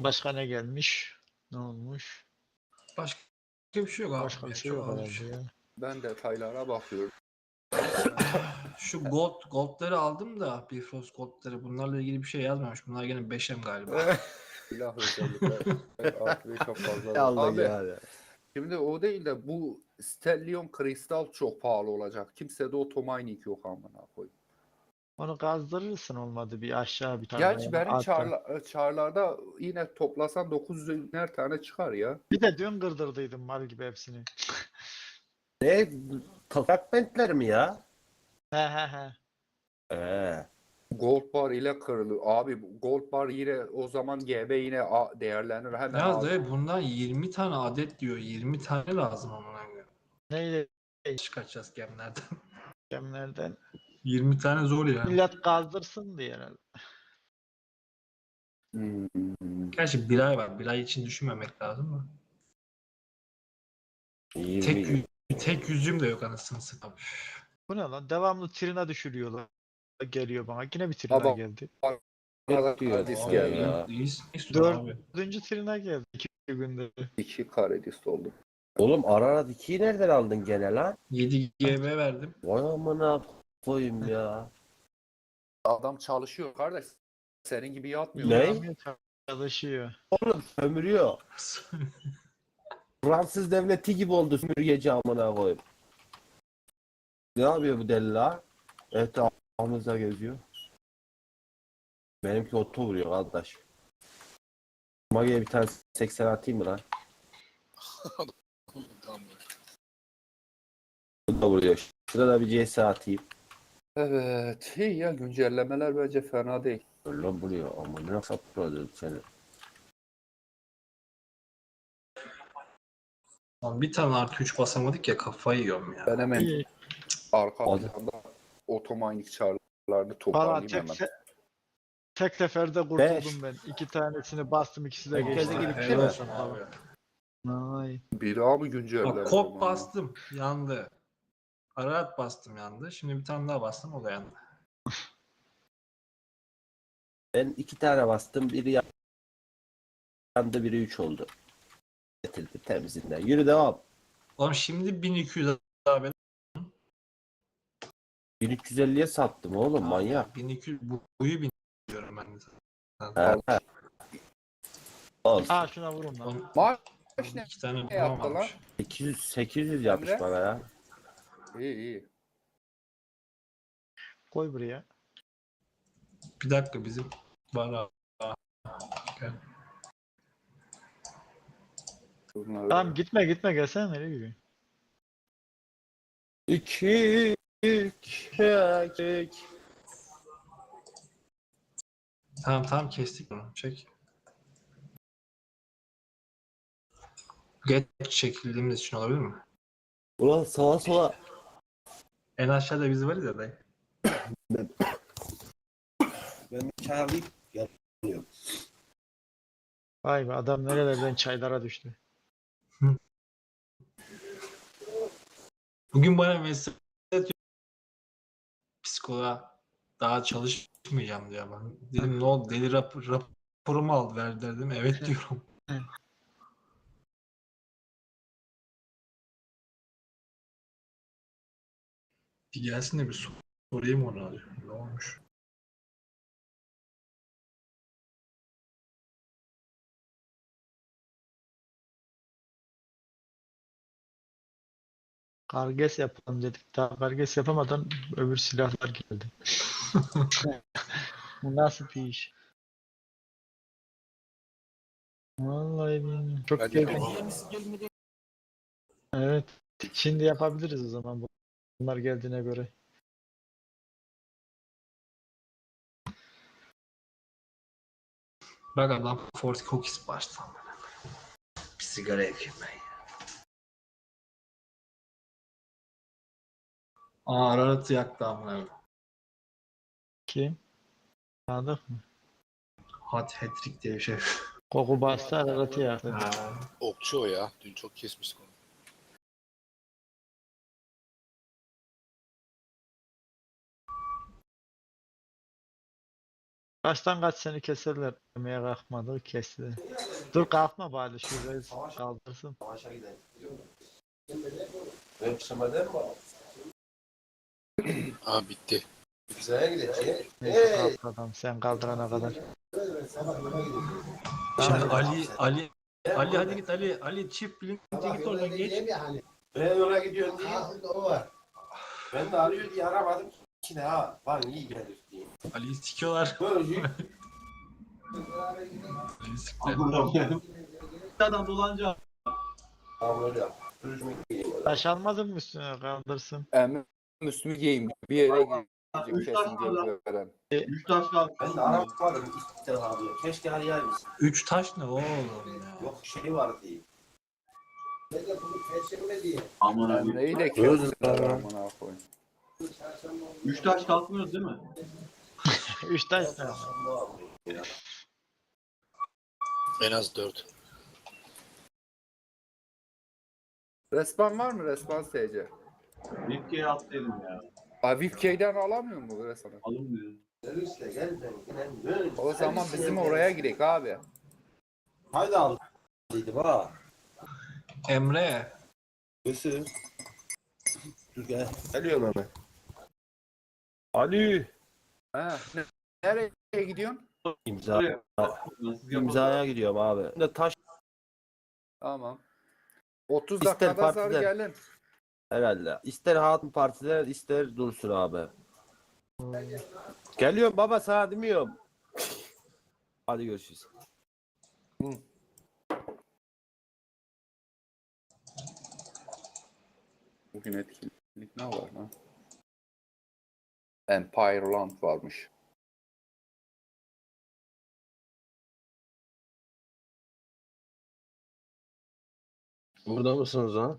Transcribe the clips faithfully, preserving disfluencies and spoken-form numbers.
Başka ne gelmiş? Ne olmuş? Başka bir şey yok abi. Başka bir ya, şey çok yok az bir herhalde şey. ya. Ben detaylara bakıyorum. Şu gold goldları aldım da Bifrost goldları. Bunlarla ilgili bir şey yazmamış. Bunlar gene beş M galiba. Silah özellikler. Artı beş çok fazla. Allah Abi yani. şimdi o değil de bu Stellium kristal çok pahalı olacak. Kimsede otomining yok amına koyayım. Onu kazdırırsın olmadı bir aşağı bir tane. Gerçi yani benim altta. çarla, çarlarda yine toplasan dokuz yüzer tane çıkar ya. Bir de dün kırdırdıydım mal gibi hepsini. Ne? Toprak bentler mi ya? He he he. Ee, Gold bar ile kırılır. Abi bu gold bar yine o zaman G B yine a- değerlenir. Hemen Yalnız al. dayı bundan yirmi tane adet diyor. yirmi tane lazım amına koyayım. Neyle Çıkartacağız gemlerden. gemlerden. yirmi tane zor ya. Millet kazdırsın diye herhalde. Hmm. Gerçi bir ay var. Bir ay için düşünmemek lazım mı? Tek, yirmi. yü- tek yüzüm de yok anasını satayım. Bu ne lan? Devamlı trina düşürüyorlar. Geliyor bana. Yine bir trina Adam geldi. bana diyor Karadis abi geldi. ya. İyisin abi. Dördüncü trina geldi. iki günde. İki Karadis oldu. Oğlum Ararat ikiyi nereden aldın gene lan? yedi G B verdim. Vay amına koyayım ya. Adam çalışıyor kardeş. Senin gibi yatmıyor. Ne? İlhamiye çalışıyor. Oğlum sömürüyor. Fransız devleti gibi oldu sömürgeci amına koyayım. Ne yapıyor bu deli la? Etrafımızda geziyor. Benimki oto vuruyor kardeş. Magi'ye bir tane seksen atayım mı lan? Bu da vuruyor. Şurada da bir C S atayım. Evet. İyi ya güncellemeler bence fena değil. Öyle vuruyor ama ne sapıyor seni. Lan bir tane artı üç basamadık ya kafayı yiyorum ya. Ben hemen İyi. arka Hadi. planda otomining çarlarını Valla toparlayayım tek, hemen. se tek seferde kurtuldum Beş. ben. İki tanesini bastım, ikisi de Herkese geçti. gibi bir şey Helal mi? olsun abi. Ay. Bir daha mı güncelleme? Bak kop bastım yandı. Ararat bastım yandı. Şimdi bir tane daha bastım o da yandı. Ben iki tane bastım. Biri yandı, biri üç oldu. Getirdi temizinden. Yürü devam. Oğlum şimdi bin iki yüz abi. bin üç yüz elliye sattım oğlum manyak. bin iki yüz bu, buyu bin diyorum ben de. Ha, ha. Olsun. Aa şuna vurun lan. Oğlum, Maaş ne? iki tane Ne yaptı bulamamış. lan? sekiz yüz sekiz yüz yapmış Emre? bana ya. İyi iyi. Koy buraya. Bir dakika bizim var abi. Gel. Bunları- Tamam gitme gitme gelsene nereye gidiyorsun? İki, iki, iki. Tamam tamam kestik bunu. Çek. Geç çekildiğimiz için olabilir mi? Ulan sağa sola. En aşağıda biz varız ya dayı. Ben bir çay alayım. Geliyorum. Vay be adam nerelerden çaylara düştü. Bugün bana mesaj atıyor. Psikoloğa daha çalışmayacağım diyor ben. Dedim ne oldu deli rap raporumu al ver dedim. Evet diyorum. Bir gelsin de bir sor- sorayım ona. Ne olmuş? Karges yapalım dedik. Daha karges yapamadan öbür silahlar geldi. Bu nasıl bir iş? Vallahi bilmiyorum. Çok gergin. Evet. Şimdi yapabiliriz o zaman. Bunlar geldiğine göre. Bak adam Forty Cookies baştan. Bir sigara yakayım ben ya. Aa Ararat'ı yaktı amına. Kim? Anladık mı? Hot hat-trick diye bir şey. Koku bastı Ararat'ı yaktı. Ha. Okçu o ya. Dün çok kesmiştik onu. Kaçtan kaç seni keserler. Demeye kalkmadı kesti. Dur kalkma bari şurayı kaldırsın. Savaşa gidelim. Ben kışlamadan mı? Aa bitti. Güzel'e gideceğim. Neyse kalk adam sen kaldırana kadar. Şimdi Ali Ali Ali hadi git Ali Ali çift bilince git oradan geç. Ben ona gidiyorum diye. Ben de arıyor diye aramadım. İçine ha var iyi gelir diye. Ali'yi sikiyorlar. Böyle Ali'yi siktiler. Adam dolanca. Tamam öyle yap. Sürücümü giyeyim. Taş almadın mı üstüne kaldırsın. Emre üstümü giyeyim. Bir yere gideceğim Üç kesin tane var. gönderen. Üç taş kaldı. Ben de aramadım. İşte alıyor. Keşke arayar mısın? Üç taş ne oğlum ya? Yok şey var diye. Aman abi. Emre'yi de Gözüm kessinler var. amına koyayım. Üç taş kalkmıyoruz değil mi? Üç taş ne? En az dört. Respawn var mı? Respawn S C. Vipke'ye atlayalım ya. Abi V I P K'den alamıyor mu bu Respawn'ı? Alınmıyor. O zaman bizim oraya gidelim abi. Haydi al. Dedim ha. Emre. Nasıl? Dur gel. Geliyorum hemen. Ali. Ha, ne- nereye gidiyorsun? İmza. Nasıl İmzaya gidiyorum abi. Ben de taş Tamam. otuz İster dakikada zar partiler. gelin. herhalde. İster hatun partiler ister dursun abi. Geliyorum baba sana demiyorum. Hadi görüşürüz. Bugün etkinlik ne var lan? Empire Land varmış. Burada mısınız ha?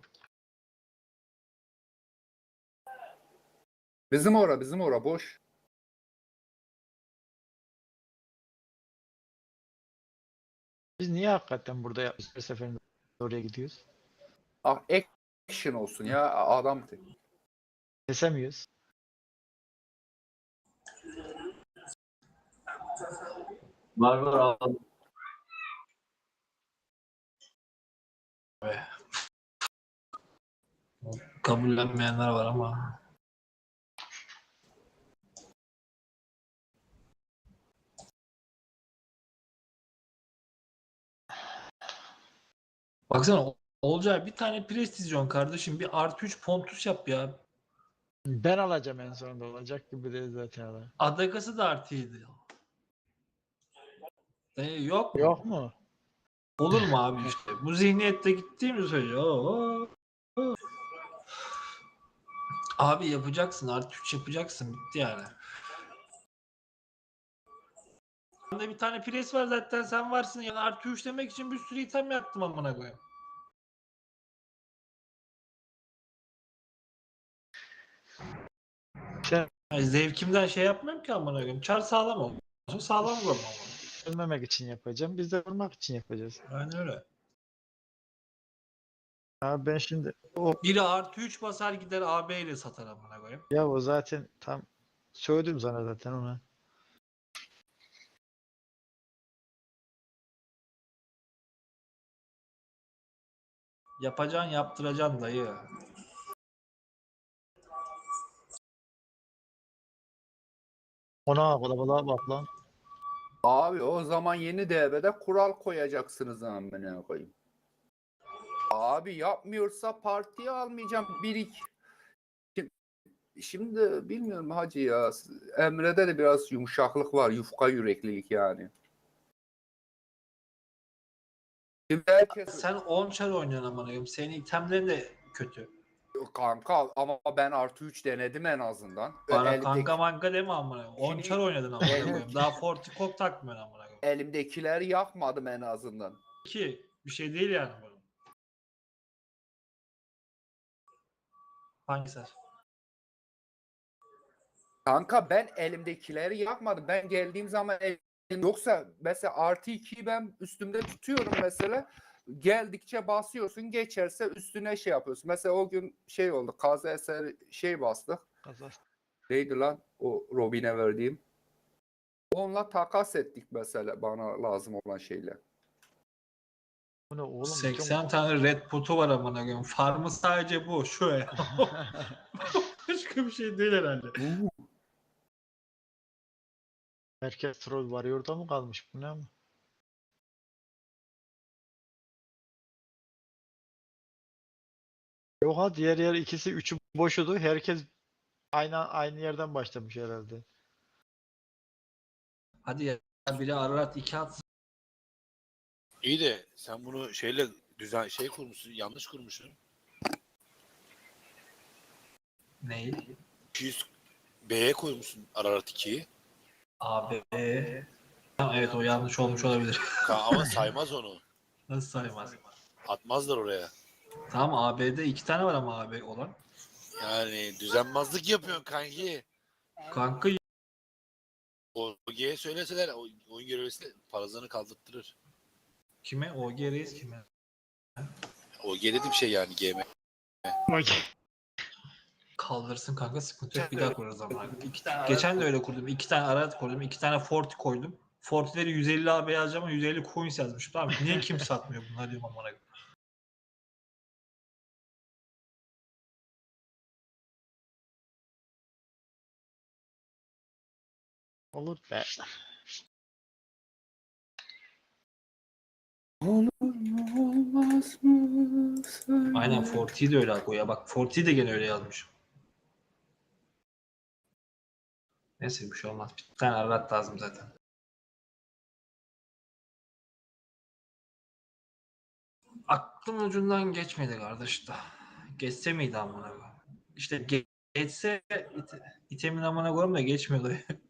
Bizim ora, bizim ora boş. Biz niye hakikaten burada ya- her seferinde oraya gidiyoruz? Ah, action olsun ya adam. Kesemiyoruz. Var var aldım. Kabullenmeyenler var ama. Baksana Olcay bir tane prestijyon kardeşim bir artı üç pontus yap ya. Ben alacağım en sonunda olacak gibi değil zaten. adam. Adakası da artıydı. E, yok mu? Yok mu? Olur mu abi işte? Bu zihniyette gittiğimiz sürece. oo, oo. Abi yapacaksın artı üç yapacaksın bitti yani. Bende bir tane pres var zaten sen varsın yani artı üç demek için bir sürü item yaptım amına koyayım. Sen Yani zevkimden şey yapmıyorum ki amına koyayım. Çar sağlam olsun. Sağlam vurma. ölmemek için yapacağım. Biz de vurmak için yapacağız. Aynen öyle. Abi ben şimdi o Biri artı üç basar gider A B ile satar amına koyayım. ya o zaten tam söyledim sana zaten ona. Yapacaksın yaptıracaksın dayı. Ona kalabalığa bak lan. Abi o zaman yeni devrede kural koyacaksınız amına koyayım. Abi yapmıyorsa partiye almayacağım. Bir iki. Şimdi, şimdi bilmiyorum hacı ya. Emre'de de biraz yumuşaklık var. Yufka yüreklilik yani. Şimdi herkes Sen on çar oynuyorsun amına koyayım. Senin itemlerin de kötü. kanka ama ben artı üç denedim en azından. Bana Elimdeki- kanka manka deme amına koyayım. on Şimdi- çar oynadın amına koyayım. Daha Fortikok takmıyorsun amına koyayım. elimdekileri yakmadım en azından. Ki bir şey değil yani bu. Hangisi? Kanka ben elimdekileri yakmadım. Ben geldiğim zaman elim... Yoksa mesela artı ikiyi ben üstümde tutuyorum mesela. Geldikçe basıyorsun geçerse üstüne şey yapıyorsun. Mesela o gün şey oldu. Kaza eser şey bastık. Kazas. Neydi lan o Robin'e verdiğim? Onunla takas ettik mesela bana lazım olan şeyler. Bu ne oğlum? seksen tane red putu var amına koyayım. Farmı sadece bu. Şu ya. Başka bir şey değil herhalde. Herkes troll Warrior'da mı kalmış? Bu ne ama? Yok ha, diğer yer ikisi üçü boşudu. Herkes aynı aynı yerden başlamış herhalde. Hadi ya biri Ararat iki atsın. İyi de sen bunu şeyle düzen şey kurmuşsun, yanlış kurmuşsun. Neyi? iki yüz B'ye koymuşsun Ararat ikiyi. Abi. Tamam, evet o yanlış olmuş olabilir. Ka- Ama saymaz onu. Nasıl saymaz? Atmazlar oraya. Tamam A B'de iki tane var ama A B olan. Yani düzenbazlık yapıyorsun kanki. Kanka O G'ye söyleseler o- oyun görevlisi parazanı kaldırtırır. kime? O G Reis kime? O G dedi bir şey yani G M. Kaldırsın kanka, sıkıntı yok, bir daha kurarız ama. İki tane geçen de öyle kurdum. İki tane Ararat koydum. iki tane Forti koydum. Fortileri yüz elli A B yazacağım ama yüz elli coins yazmış. Tamam, niye kimse satmıyor bunlar diyorum amına koyayım. Olur be. Olur mu olmaz mı? Söyle. Aynen Forti'yi de öyle koy ya. Bak Forti'yi de gene öyle yazmış. Neyse bir şey olmaz. Bir tane Ararat lazım zaten. Aklım ucundan geçmedi kardeş da. Geçse miydi amına koyayım? İşte ge- geçse it- itemin amına koyayım da geçmiyordu.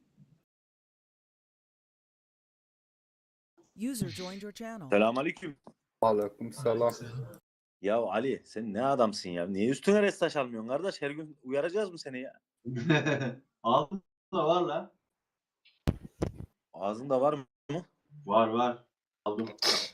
User joined your channel. Selamünaleyküm. Aleyküm selam. Ya Ali sen ne adamsın ya? Niye üstüne restaş almıyorsun kardeş? Her gün uyaracağız mı seni ya? Ağzında var lan. Ağzında var mı? Var var. Aldım.